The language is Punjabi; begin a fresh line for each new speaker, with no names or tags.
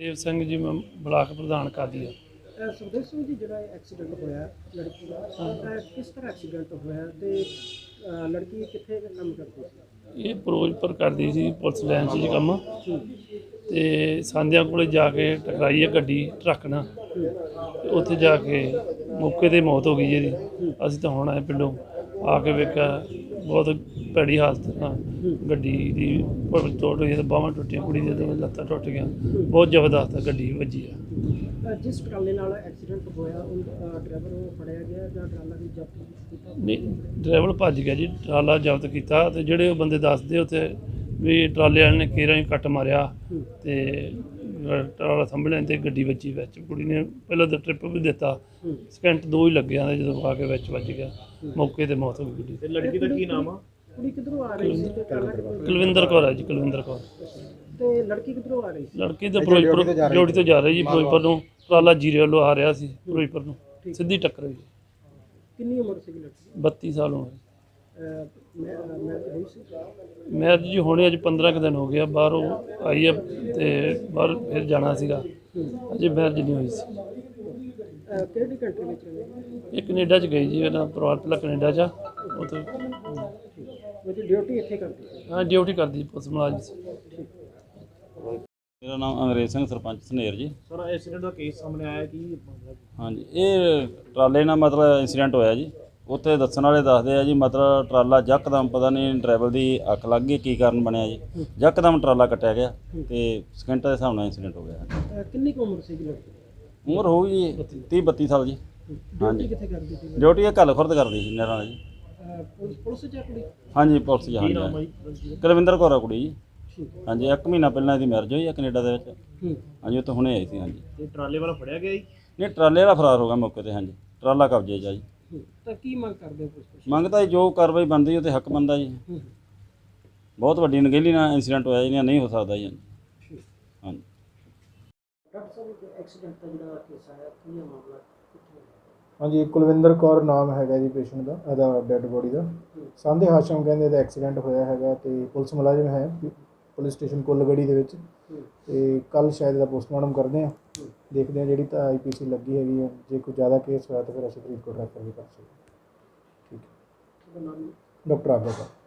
देव सिंह जी मैं ब्लाक प्रधान कर दिया।
सुखदेव सिंह जी जो एक्सीडेंट होया लड़की का किस तरह एक्सीडेंट होया ते लड़की कितने काम करती सी?
ये फिरोजपुर करती सी पुलिस लाइन च काम ते सांधिया कोले जाके टकराई है गड्डी ट्रक नाल ते उत्थे जाके मौके ते मौत हो गई जी। असीं तां हुण आए पिंडों आके वेख्या बहुत भैड़ी हालत नाल गड्डी दी चोट हुई है, बाहां टुटियां, कुड़ी दी लत्तां टुट गईयां, बहुत जबरदस्त गड्डी वज्जी है।
जिस ट्राले नाल एक्सीडेंट होया ड्राइवर वो फड़िया गया जां ट्राला भी जब्त कीता?
नहीं ड्राइवर भज गया जी, ट्राला जब्त किया तो जोड़े बंदे दसदे उत्थे भी ट्राले वाले ने केरा ही कट मारिया ते ट्राला संभलिया ते गड्डी वज्जी विच। कुड़ी ने पहले तो ट्रिप भी दिता, सेकंड 2 ही लगे जो आके विच वज गया, मौके ते मौत हो गई गड्डी।
लड़की का की नाम आ? कुड़ी किधरों आ रही सी ते ट्राला
कुलविंदर कौर है जी, कुलविंदर कौर।
ते लड़की किधरों आ रही सी?
लड़की तो फिरोजपुर जोड़ी तो जा रही जी, फिरोजपुर नूं ट्राला जीरे वालों आ रहा सी फिरोजपुर नूं, सीधी टक्कर हुई।
कितनी उम्र सी लड़की?
32 साल उम्र।
मैरिज हुई सी?
मैरिज जी होने अज 15 दिन हो गया, बाहरों आई है तो बाहर फिर जाना सीगा, अजे मैरिज नहीं हुई सी।
ਕਿਹੜੀ ਕੰਟਰੀ ਵਿੱਚ ਰਹਿੰਦੇ?
ये कनेडा च गई जी, ਇਹਨਾਂ ਪਰਿਵਾਰ ਪਹਿਲਾਂ ਕੈਨੇਡਾ ਚ ਉੱਥੇ
ਉਹ ਡਿਊਟੀ ਇੱਥੇ ਕਰਦੀ ਸੀ?
ਹਾਂ ਡਿਊਟੀ ਕਰਦੀ ਪੁਲਿਸ ਮੁਲਾਜ਼ਮ ਸੀ।
मेरा नाम अंग्रेज सिंह सरपंच सनेर जी।
ਸਰ ਐਕਸੀਡੈਂਟ ਦਾ ਕੇਸ ਸਾਹਮਣੇ ਆਇਆ ਕਿ
हाँ जी, ये ट्राले ਨਾਲ ਮਤਲਬ ਇੰਸੀਡੈਂਟ ਹੋਇਆ ਜੀ। ਉੱਥੇ ਦੱਸਣ ਵਾਲੇ ਦੱਸਦੇ ਆ ਜੀ ਮਤਲਬ ਟਰਾਲਾ ਯਕਦਮ ਪਤਾ ਨਹੀਂ ਡਰਾਈਵਰ ਦੀ ਅੱਖ ਲੱਗ ਗਈ, ਕੀ ਕਾਰਨ ਬਣਿਆ ਜੀ, ਯਕਦਮ ਟਰਾਲਾ ਕੱਟਿਆ ਗਿਆ ਤੇ ਸਕਿੰਟਾਂ ਦੇ ਹਿਸਾਬ ਨਾਲ ਇੰਸੀਡੈਂਟ ਹੋ ਗਿਆ।
ਕਿੰਨੀ ਕੁ ਉਮਰ ਸੀ ਲੜਕੀ ਦੀ?
ਉਮਰ ਹੋਊਗੀ ਜੀ 30-32 ਸਾਲ ਜੀ।
ਡਿਊਟੀ ਕਿੱਥੇ ਕਰਦੀ ਸੀ?
ਡਿਊਟੀ ਇਹ ਘੱਲ ਖੁਰਦ ਕਰਦੀ ਸੀ ਨਹਿਰਾਂ ਨਾਲ ਜੀ।
ਪੁਲਿਸ ਚ ਆ ਕੁੜੀ?
ਹਾਂਜੀ ਪੁਲਿਸ ਜੀ। ਹਾਂਜੀ ਕੁਲਵਿੰਦਰ ਕੌਰ ਆ ਕੁੜੀ ਜੀ। ਹਾਂਜੀ 1 ਮਹੀਨਾ ਪਹਿਲਾਂ ਇਹਦੀ ਮੈਰਿਜ ਹੋਈ ਆ ਕੈਨੇਡਾ ਦੇ ਵਿੱਚ। ਹਾਂਜੀ ਉੱਥੇ ਹੁਣੇ ਆਈ ਸੀ। ਹਾਂਜੀ
ਤੇ ਟਰਾਲੇ ਵਾਲਾ ਫੜਿਆ ਗਿਆ ਜੀ?
ਨਹੀਂ ਟਰਾਲੇ ਵਾਲਾ ਫਰਾਰ ਹੋ ਗਿਆ ਮੌਕੇ ਤੇ। ਹਾਂਜੀ ਟਰਾਲਾ ਕਬਜ਼ੇ 'ਚ ਆ ਜੀ।
ਤਾਂ ਕੀ ਮੰਗ ਕਰਦੇ ਹੋ ਪੁਲਿਸ?
ਮੰਗਦਾ ਜੋ ਕਾਰਵਾਈ ਬਣਦੀ ਉਹ ਤੇ ਹੱਕ ਬਣਦਾ ਜੀ। ਬਹੁਤ ਵੱਡੀ ਨਗੇਲੀ ਨਾਲ ਇੰਸੀਡੈਂਟ ਹੋਇਆ ਜੀ, ਨਹੀਂ ਹੋ ਸਕਦਾ ਜੀ। ਹਾਂਜੀ
ਡਾਕਟਰ ਸਾਹਿਬ ਐਕਸੀਡੈਂਟ ਦਾ ਜਿਹੜਾ ਕੇਸ ਆਇਆ ਕੀ ਹੈ ਮਾਮਲਾ?
ਹਾਂਜੀ ਕੁਲਵਿੰਦਰ ਕੌਰ ਨਾਮ ਹੈਗਾ ਜੀ ਪੇਸ਼ੈਂਟ ਦਾ, ਇਹਦਾ ਡੈੱਡ ਬੋਡੀ ਦਾ। ਸਾਂਧੇ ਹਾਸ਼ਮ ਕਹਿੰਦੇ ਇਹਦਾ ਐਕਸੀਡੈਂਟ ਹੋਇਆ ਹੈਗਾ ਤੇ ਪੁਲਿਸ ਮੁਲਾਜ਼ਮ ਹੈ ਪੁਲਿਸ ਸਟੇਸ਼ਨ ਕੁੱਲਗੜੀ ਦੇ ਵਿੱਚ ਤੇ ਕੱਲ ਸ਼ਾਇਦ ਇਹਦਾ ਪੋਸਟਮਾਰਟਮ ਕਰਦੇ ਆ, ਦੇਖਦੇ ਆ ਜਿਹੜੀ ਤਾਂ IPC ਲੱਗੀ ਹੈਗੀ ਹੈ। ਜੇ ਕੋਈ ਜ਼ਿਆਦਾ ਕੇਸ ਹੋਇਆ ਤਾਂ ਫਿਰ ਅਸੀਂ ਫਰੀਦਕੋਟ ਰੈਫਰ ਵੀ ਕਰ ਸਕਦੇ। ਠੀਕ ਹੈ। ਡਾਕਟਰ ਆਗਿਆ।